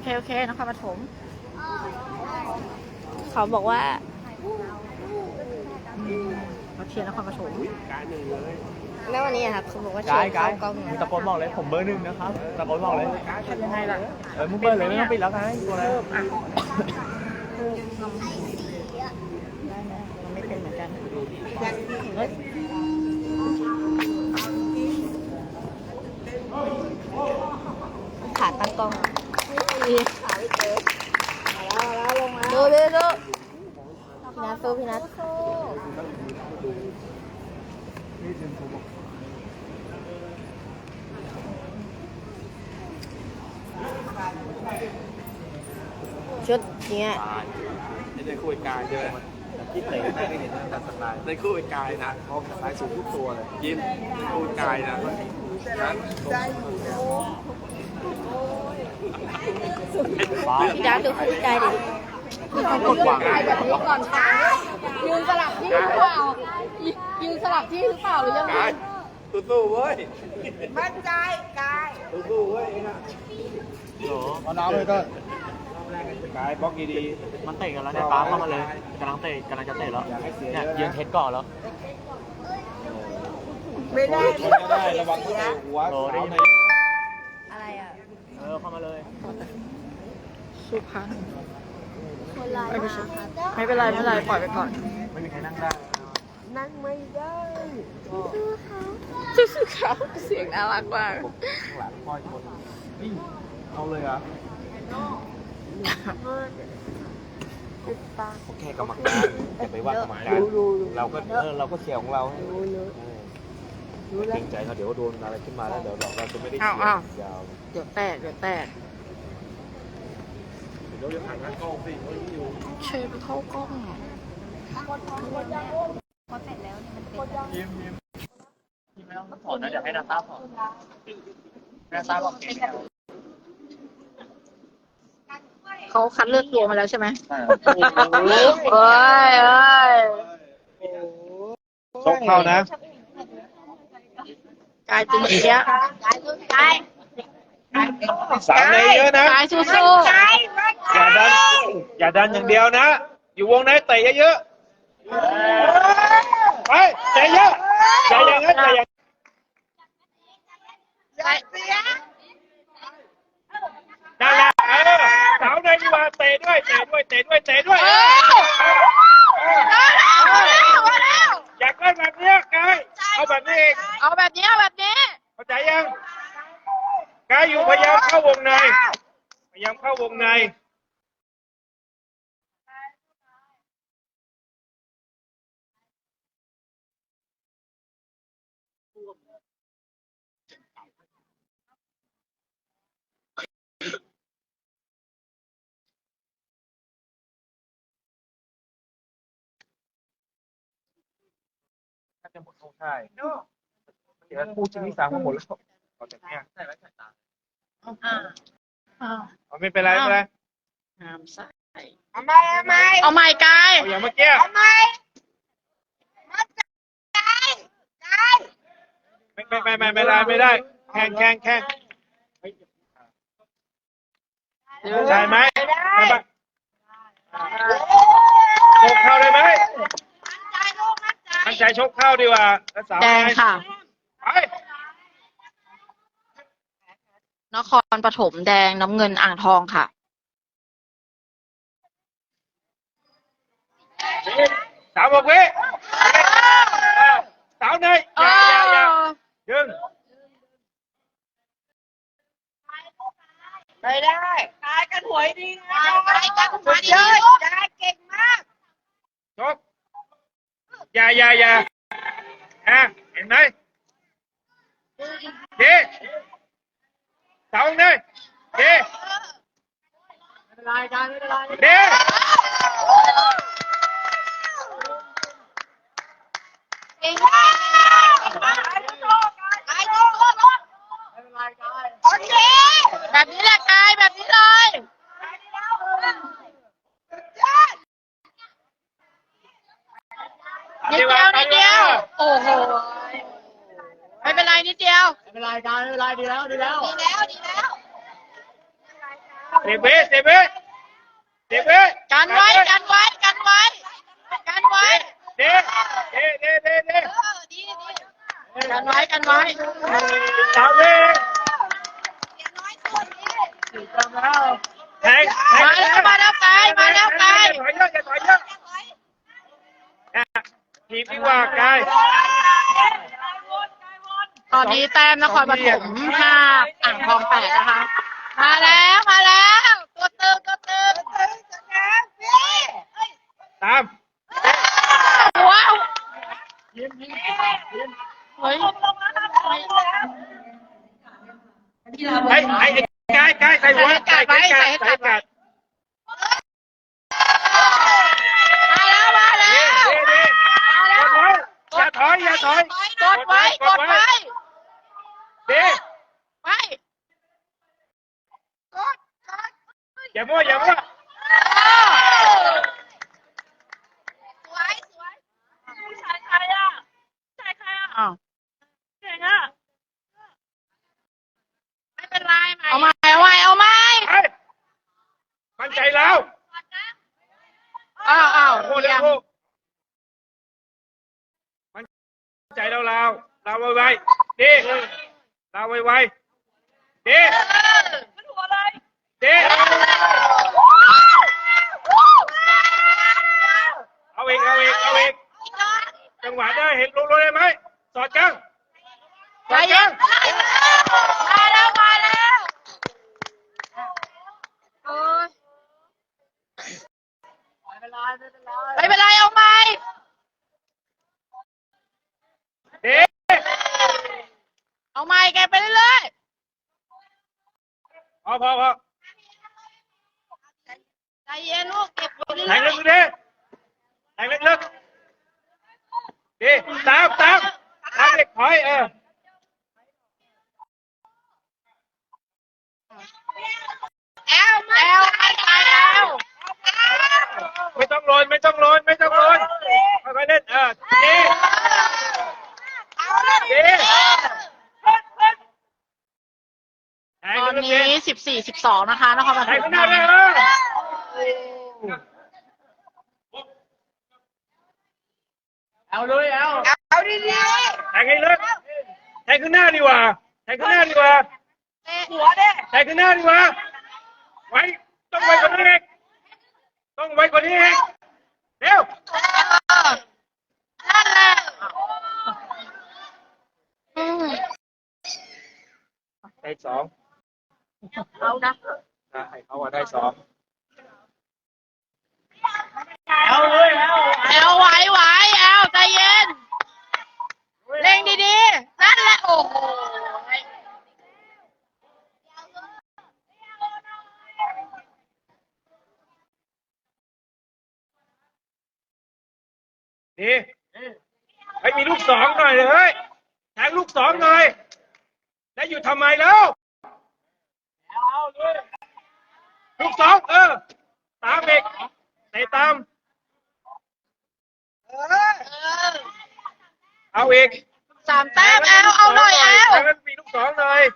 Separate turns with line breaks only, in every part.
โอเคนครปฐมเขาบอกว่ามาเชียร์นครปฐม
แล้ววันนี้ครับเขาบอกว่าเชียร์เข้ากล้อง
มึงตะโกนบอกเลยผมเบอร์ 1นะครับตะโกนบอกเลย
ทำยังไงล่ะ
มึงเบอร์เลยไม่ต้องปิดแล้วไงตัวอะไร
ได้ไหมมันไม่เป็นเหมือนกันเฮ้ย
ขาตั้งกล้อง
ขาไม่เจอแล้วลงมา
ดูพี่นัทสู้พี่นัทชุดเนี้ย
ในคู่กายใช่ไหมที่เตะได้ไม่เห็นแต่สไตล์ในคู่กายนะเขาสไตล์สูงทุกตัวเลยยิ้มคู่กายนะนั้น
พี่นัทดูคู่ใจดิ
ต้องกดวาง
แบบนี้ก่อนยืนสลับที่หรือเปล่ายืนสลับที่หรือเปล่าหรือยังไง
สู้ๆเว้ย
มั่นใจกาย
สู้ๆเว้ยนะเอาน้ำเลยก็กายบล็อกดีๆมันเตะกันแล้วเนี่ยป้าเข้ามาเลยกำลังจะเตะแล้วเนี่ยยืนเทสก่อนแล้ว
ไม่ได้
ระวังเตะหัวได้ยินไหม
อะไรอ่ะ
เข้ามาเลย
สุพรรณ
คนร้ายมาครับ
ไม่เป็นไรปล่อยไปก่อน
ไม่มีใครนั่งได้
นั่งไม่ได้
สู้ๆเขาเสียงน่ารักมาก
ข้างหลังป้อยคนนี่เอาเลยเหรอโอเคกรรมการอย่าไปว่ากรรมการเราก็เชียร์ของเราเกรงใจเขาเดี๋ยวโดนอะไรขึ้นมาแล้วเดี๋ยวเราจะไม่ได้เชียร์ยาว
เดี๋ยวแตก
เดี๋ยวจะผ่านร้านกล้องสิอยู่
เชฟเข้ากล้อง
ยิ้มไม่ต้องถอดนะเดี๋ยวให้นาตาถอดนาตาบอกเก่ง
เขาคัดเลือกตัวมาแล้วใช่ไหม
โอ้ย
ชกเข้านะ
กายตึงเชีย
สามในเยอะนะ
กายสู้
อย่าดันอย่างเดียวนะ อยู่วงในเตะเยอะๆไปเตะเยอะอย่าอย่างนั้นอย่าอย่างนั่นแหละสาวในดีกว่าเตะด้วยอยากได้แบบนี้กายเอาแบบนี้เอง
ๆเอาแบบนี้
เข้าใจยังกายอยู่พยายามเข้าวงในน่าจะหมดโซ่ใช่เดี๋ยวคู่ชิ้นที่ 3ก็หมดแล้วตอนนี้ใช่ไหมสายตาไม่เป็นไร
ห้ามใส่
เอาใหม่
เอาใหม่กาย
เอาอย่างเมื่อกี้
เอาใหม่มั่นใจกาย
ไม่ได้แข่งใช่ไหมชกเข้าได้ไหมมั่นใจชกเข้าดีกว่าสาว
แดงค่ะ
ไป
นครปฐมแดงน้ำเงินอ่างทองค่ะ
36 วิสาวในอย่ายืน
ไม่ได้กายกันหวยดีนะกายกันหวยดีกายเก่งมาก
ชกอย่าเห็นไหมเจ๊สาวในเจ๊เจ๊
เก่งมากโอเค
แบบนี้แหละกายแบบนี้เลย นิดเดียว โอ้โห ไม่เป็นไรนิดเดียว
ไม่เป็นไรการไม่เป็นไรดีแล้ว
ดีแล้ว
เด็กเบ้เด็กเบ้เด็กเบ้
กันไว้กันไว้กันไว้กันไว้
เด็กเด็กเด็กเด็กเด็ก
กันไว้กันไว้
สามเด็กแทง
มาแล้วมาแล้วไกลมาแล้วไกล
ถอยเยอะอย่าถอยเยอะทีมดีกว่ากาย
ตอนนี้แต้มนครปฐม5อ่างทอง8นะคะมาแล้วมาแล้วตัวตึงตัวตึง
ตาม
ว้าวเฮ้ย
ไอ้กายใส่หัวใส่กัด
มาแล้วมาแล้
เด้
ว
เด้อย่าถอยอย่าถอย
กดไว้กดไว้
เด้
ไปกด
อย่ามั่วอย่ามั่ว
สวยสวย
ผู้ชายใครอ่ะผู้ชายใครอ่ะ
อ้าว
เก่งอ่ะ
ไม่เป็นไรเอาใหม่เอาใหม่เอาใหม่
ไอ้มั่นใจแล้ว
อ้าว
โอ้โห
เรียง
มั่นใจแล้วเราไวๆดีเราไวๆดี
มันหัวเลย
ดีเอาอีกจังหวะได้เห็นลงได้ไหมสอดกัง
ใจเย็นมาแล้วมาแล้วโอ้ยไม่เป็นไรเอาใหม่
ดี
เอาใหม่แกไปเรื่อย
พอ
ๆใจเย็นลูกเก็บไปเรื่
แทง
อย
ลึกดิแทงลึกดีตามเด็กถอย
ๆแอลไปแล้ว
ไม่ต้องโรยค่อยๆเล่นดีแทง
ตอน
ลึก
นี้
ดิ
14-12นะคะนครป
แท
ฐ
ง
ม
ข้างหน้าเลยเอาดีๆแทงให้ลึกแทงข้างหน้าดีกว่าหัวเด้แทงข้างหน้าดีกว่าไว้ต้องไว้กว่านี้อีกเร็ว
นั่นแหละ
ได้สอง
เอานะ
ให้เขาได้สอง
แอลไหวแอลใจเย็นเร่งดีๆนั่นแหละโอ้โห
ดีให้มีลูกสองหน่อยเลยแทงลูกสองหน่อยแล้วอยู่ทำไมแล้วลูกสองตามอีกเตะตามเอาอีก
3 แต้มแอลเอาหน่อยแอล
ให้มันมีลูกสองหน่อย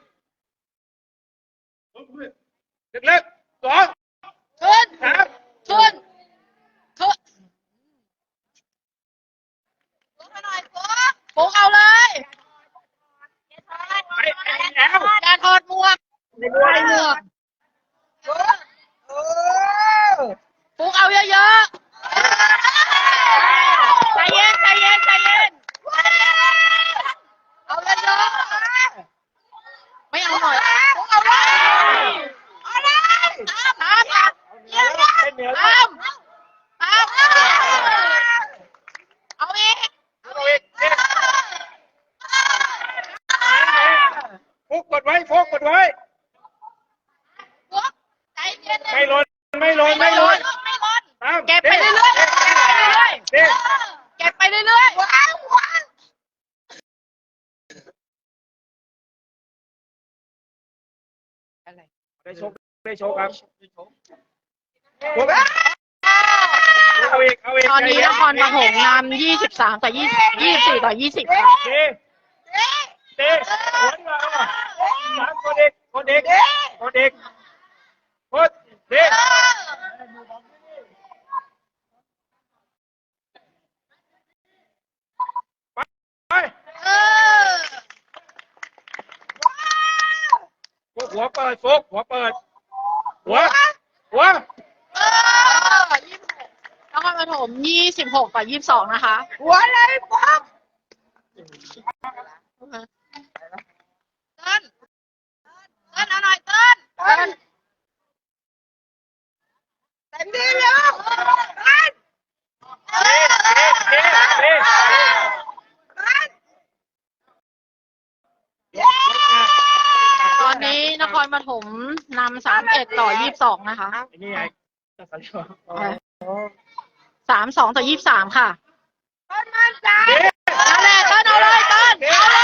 เล็กๆสอง
ขึ้น
สาม
ขึ้นปุ๊กเอาเลย
ไอ้แล้ว
อย่าถอดหมวกใส่หมวกปุ๊กเอาเยอะๆใจเย็นเอาเยอะๆไม่เอาหน่อยปุ๊กเอาเลยตาม
เป็นเหนือ
เอาอีก
เอาอีกฟุกกดไว้
ปุ๊กใจเย็น
ไม่หล่นตาม
เก็บไปเรื่อยๆ
เด็ก
เก็บไปเรื่อยๆ
ได้โชคครับเอาอีก
ตอนนี้นครปฐมนำ23 ต่อ 24 ต่อ 20 ค่ะ
เด็กหัวดีกว่าสามคนเด็กเด็กไป
เออ
ฟุกหัวเปิดฟุกหัวเปิดหัวหัว
เออ26นครปฐม26กับ22นะคะ
หัวเลยป๊อก
เติ้ลเอาหน่อยเติ้ล
เต็มที่เลยกัน
เด็กเด็กเด็ก
กันเย้
ตอนนี้นครปฐมนำ31ต่อ22นะคะ
ไอ้นี่ไงจะสั่นชัว
32ต่อ23ค่ะ
ต้นมันใจ
นั่นแหละเติ้ลเอาเลยเติ้ลเอาเลย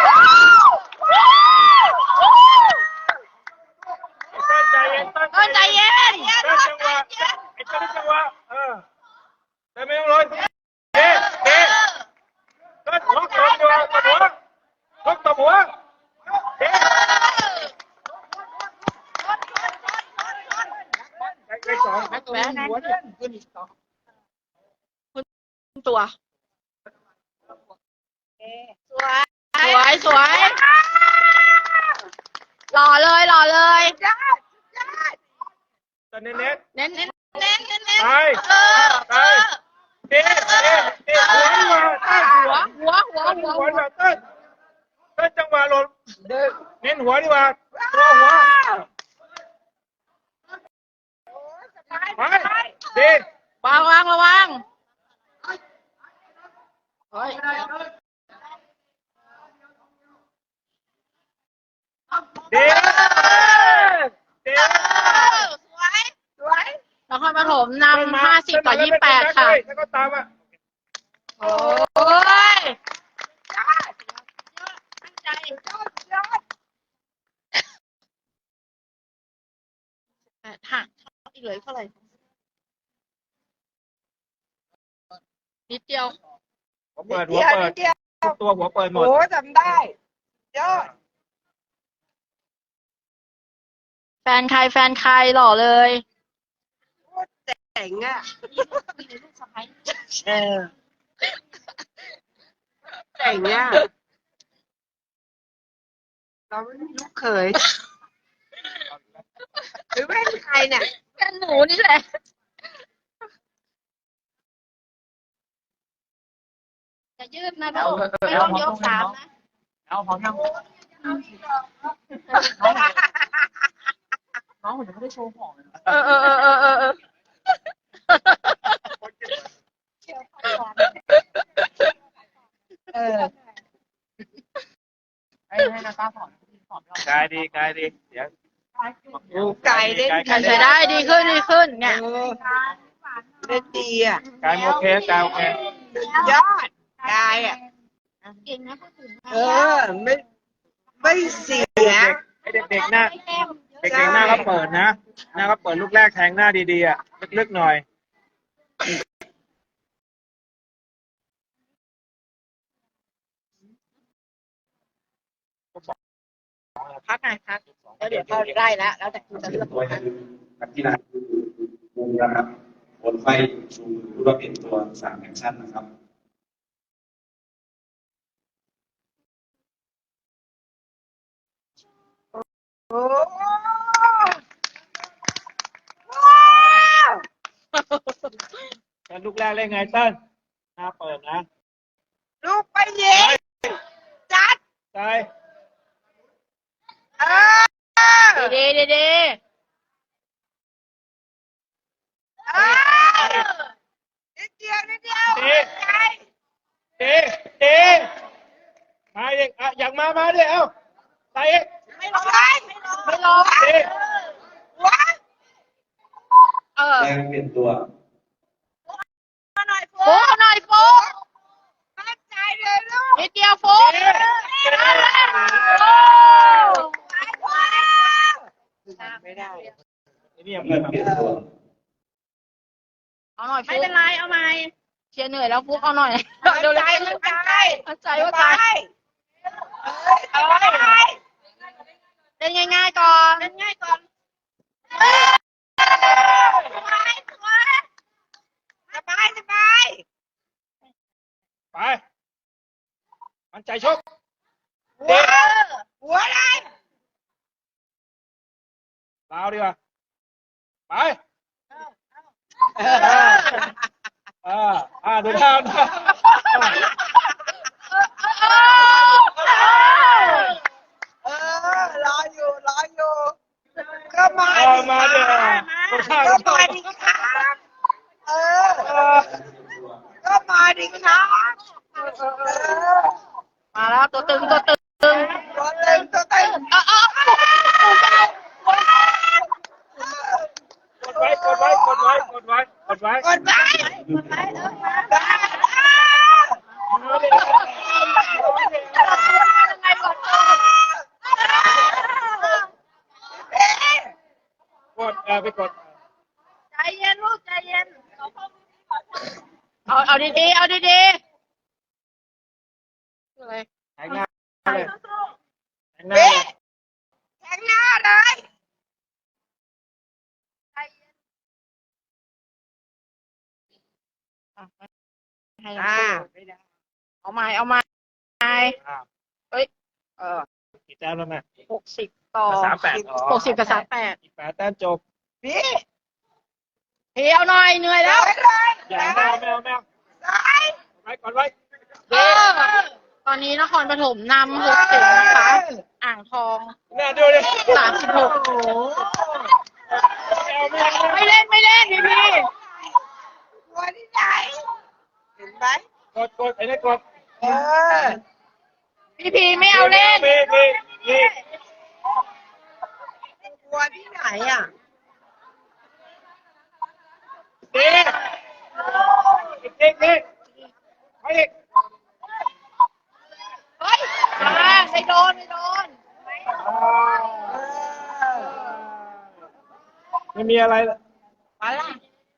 ต้นใจเย็น
เติ้ลใจเย็น
ต้นจังหวะไอ้ต้นจังหวะแต่ไม่ต้องร้อนเด็กเด็กต้นล็อกตบหัวล็อกตบหัวเด็กเลขสอง
แหวนหัวเนี่ยขึ้นอีกต่อคุณตัวสวยหล่อเลยหล่อเลย
ต้นเน้น
เน้น
ไปไปเด็กหัวดีกว่าต้น
หัว
หัวดีกว่าต้นจังหวะหล่นเน้นหัวดีกว่าตัวหัวไปเด็ก
วางระวังเฮ้ย
เด็ก
สวย
นครปฐมนำ50ต่อ28ค่ะ
แล้วก็ตามอ่ะ
โอ้ย
ยอด
ห่างอีกเลยเท่าไหร่นิดเดียว
หัวเปิด
เดียวนิดเดียว
ตัวหัวเปิดหม
โอ้
ด
จำได้ยอด
แฟนใครหล่อเลย
เจ๋งอ่ะเจ๋งอ่ะเราไม่มีลูกเขยหรือเป็นใครเนี่ย
แฟนหนูนี่แหละอย่ายืดนะลูกไม่ต้องยก3นะ
เอาพร้อมยังน้องผมยังไม่ได้โชว์ของเลย
เออ
ให้นาตาสอนกายดีเดี๋ยว
ไก่เล่น
ใช้ได้ดีขึ้นเนี่ย
เล่นดีอ่ะ
กายโอเคกายโอเค
ยอดกายอ่ะ
เก่งนะพูดถึง
ไม่เสีย
ให้เด็กๆหน้าเด็กๆหน้าก็เปิดนะหน้าก็เปิดลูกแรกแทงหน้าดีๆอ่ะลึกๆหน่อย
พักไงพักแล้วเดี๋ยวเขาไล่แล้วแต่คุณจะเลือก
ตัวคือนักกีฬามุมนะครับบนไฟชูมือรูปเป็นตัว3แอคชั่นนะครับ
โอ้ว้าว
แล้วลูกแรกเล่นไงเต้นหน้าเปิดนะ
ลูกไปยิงจัด
ใช่
ดี
นิดเดียว
เด็กมาเด็กอ่ะอยากมาดิเอ้าใส่เอก
ไม่ลง
เด็ก
ว้า
แรงเปลี่ยนตัว
หน่อย
โฟกหน่อยโฟก
มั่นใจเลยลูก
นิดเดียวโฟก
ไม่ได้
นี่ยัง
เริ่มเปลี่ยนตัว
เอาหน่อยไม่เป็นไรเอาใหม่เชียร์เหนื่อยแล้วฟุกเอาหน่อยเดี๋ยวเลยมั่นใจว่าตาย เล่นง่ายๆก่อน
ลาวดีกว่าไปดูท่า
รออยู่ก็มา
มาเดี๋ยวดูท่า
ก็มาดิครับก็มาดิครับ
มาแล้วตัวตึงตัวตึง
ตัวเต็ง
กดไว้กดไว้กดไว้กดไว้กดไว้
กดไว้
กดไปกด
ใจเย็นลูกใจเย็นเอาดีๆเอาดีๆอะไร
แทงหน้าเลยแทงหน้า
แทงหน้าเลย
ให้เอาใหม่เฮ้ย
กี่แต้มแล้วแม่
60 ต่อ
38
60 กับ 38
อีก8 แต้มจบ
พี่
เที่ยวหน่อยเหนื่อยแล้ว
อย่าแมวกดไว้
ตอนนี้นครปฐมนำ60นะคะ อ่างทอง
แม่ดูดิ
36ไม่เล่นพี่
ตัวที่ไหนเห็นไหม
กดไอ้นี่กด
พี่ไม่เอาเล่น
นี่
ตัวที่ไหนอ่ะ
นี่ไปอีก
เฮ้ยไม่โดน
ไม่มีอะไร
มาละ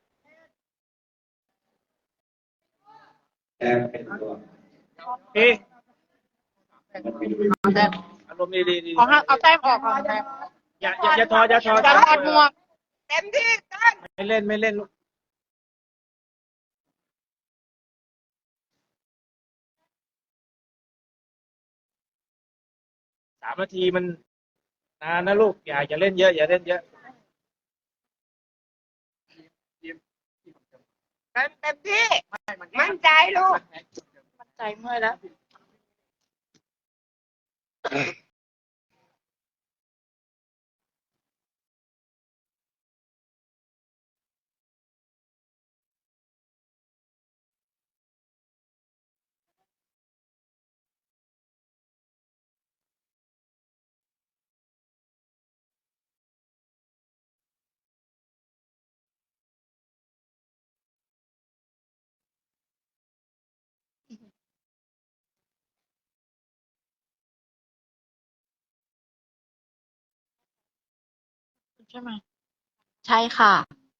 แต้มเป็นตัว
พี่
เอาแต้ม
อารมณ์ดี
เอาแต้มออกก่อนแต้ม
อย่าถอด
จะถอดหมวก
เต็มที่ตั้ง
ไม่เล่นลูก3 นาทีมันนานนะลูกอย่าเล่นเยอะอย่าเล่นเยอะ
เต็มที่มั่นใจลูก
มันใจเมื่อยแล้ว ใช่ไหมใช่ค่ะ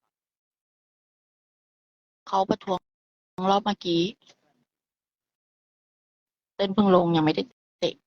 เขาประท้วงรอบเมื่อกี้เต้นเพิ่งลงยังไม่ได้เตะ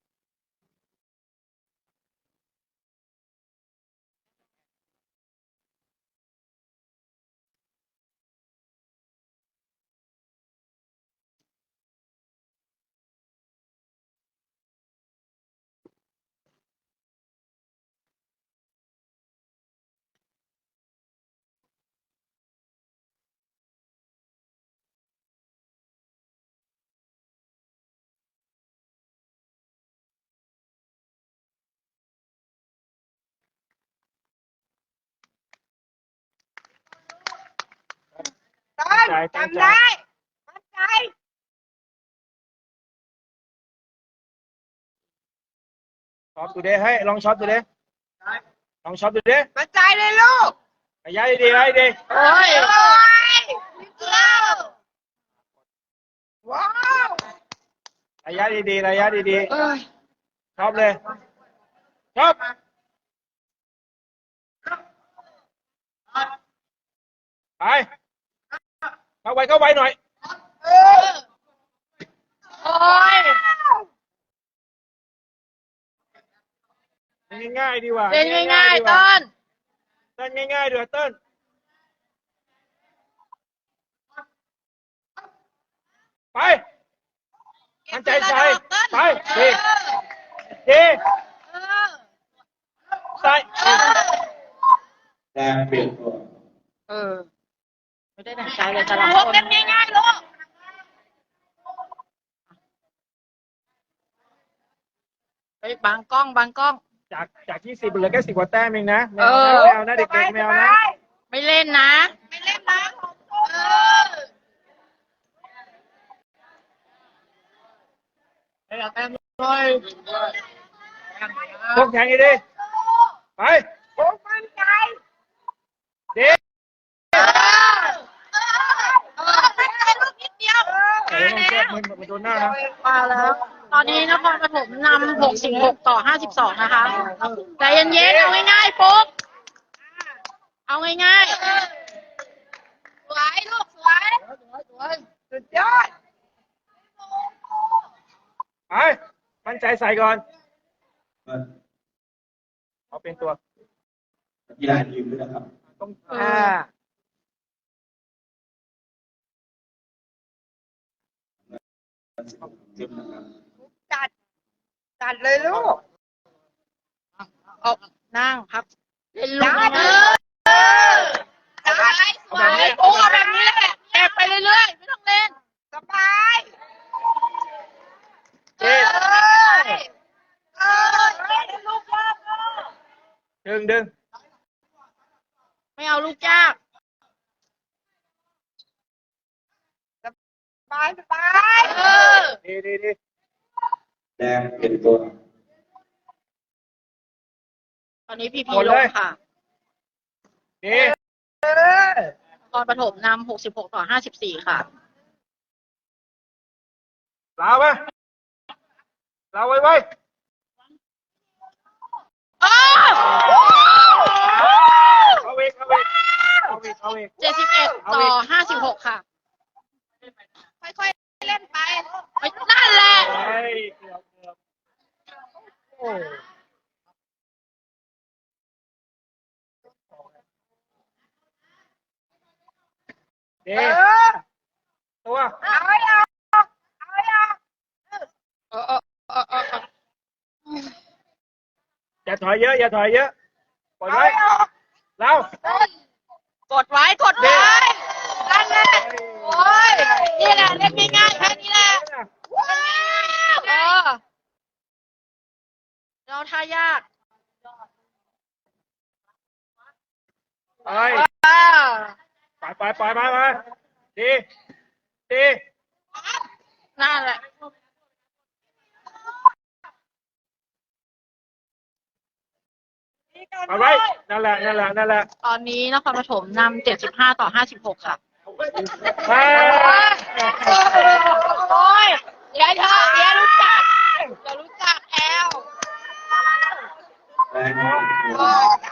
ต้นจำได้มั่นใจ
ช็อปดูดิให้ลองช็อปดูดิลองช็อปดูดิ
มั่นใจเลยลูก
ระยะดีๆดี
โอ้ย
ว้าว
ระยะดีๆระยะดี
เอ้ย
ๆช็อปเลยช็อปไปเข้าไวหน่อย
โอ้ย
ง่ายๆดีกว่า
เล่นง่ายๆต้น
เต้นง่ายๆดีกว่าเต้นไปมั่นใจไปดีใส่
แดงเปลี่ยนตัว
ไม่ได้ดั่งใจเลยแต่ละ
ลู
ค
ก
น
เล่นง่ายๆลูก
เฮ้ยบางกล้องบางกล้อง
จาก20เหลือแค่10 กว่าแต้มเองนะแม
เอ
ว
อ
นะแมวนะเด็กๆแมวนะ
ไม่เล่นนะ
ไม่เล่นนะเออ
พวกแข่งดีๆไป
โอ้มั่นใจ
เด็ก
มั่นใจลูกนิดเดียว
เดี๋ยวต้องแก้มือมาโดนหน้านะ
มาแล้ว ตอนนี้นครปฐมนำ66 ต่อ 52 นะคะใจเย็นๆเอาง่ายๆปุ๊บเอาง่าย
สวยลูกสวยสุดยอด
ไปมั่นใจใส่ก่อน
เปิด
เอาเป็นตัว
กีฬายืนด้วยนะครับ
ต้อง
ขึ้นนะครับ
จัดเลยลูก
ๆเอานั่งพักเล่นลูก
ได้
ง่าย
ได้สวย
ๆโอ้เอาแบบนี้แหละแอบไปเรื่อยๆไม่ต้องเล่น
สบายเออเล่นลูกยากเออ
ดึง
ไม่เอาลูกยาก
สบายสบาย
ดี
แดงเปลี่ยนตัว
ตอนนี้พี
ห
พี
มด
ล
เลย
งค่ะ
ดี
นครปฐมนำ66 ต่อ 54 ค่ะ
ลาวไปลาวไว้
อ้าว
เอาอีก
71 ต่อ 56 ค่ะ
ค่อยๆเล่นไป
ไปนั่นแหละ
เฮ้ยเกือบโอ้ดีตัว
เอาให้ออกเอาให้ออก
เออ
อย่าถอยเยอะปล่อย
เอา
ไว้
ให้ออก
เรา
กดไว้นั่นแหละโอ้ยนี่แหละเล่นง่ายๆแค่นี้แหละเราท่ายาก
ไปมาดี
นั่นแหละ
ไปไว้นั่นแหละ
ตอนนี้นครปฐมนำ75 ต่อ 56 ค่ะ
ไป
โอ้ยเดี๋ยวรู้จักแอล
แดงเปลี่ยนตัว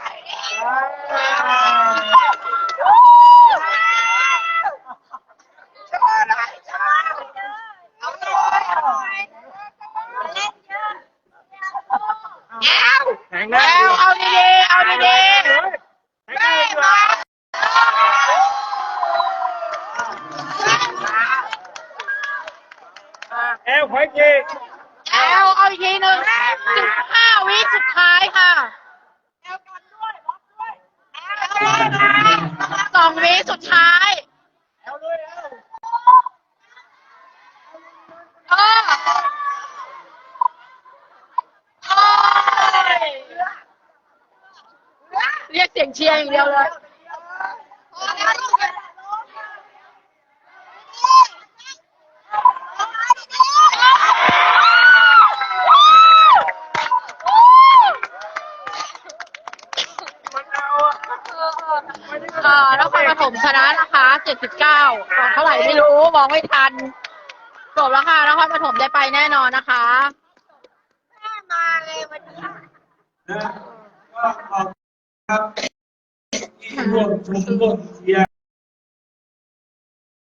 โชว์หน่อยโชว์เอาหน่อยเล่นเยอะแอล
แข่ง
แอ
นะ
ลเอาดีๆเอาดี
แข่งได้ดีกว่าแอลขอยจี
ๆแอลเอาอีกทีหนึ่ง15 วิสุดท้ายค่ะ
แอลกันด้วยบล็อกด้วยแอลเลย
2 วิสุดท้ายเออเรียกเสียงเชียร์อย่างเดียวเลย
พอแล้วลูกอย่า
นครปฐมชนะนะคะ79ก่อนเท่าไหร่ไม่รู้มองไม่ทันจบแล้วค่ะนครปฐมได้ไปแน่นอนนะคะ
แม่มาเลยวันนี้
นะก็ขอบครับที่ร่วมชมร่วมเชียร์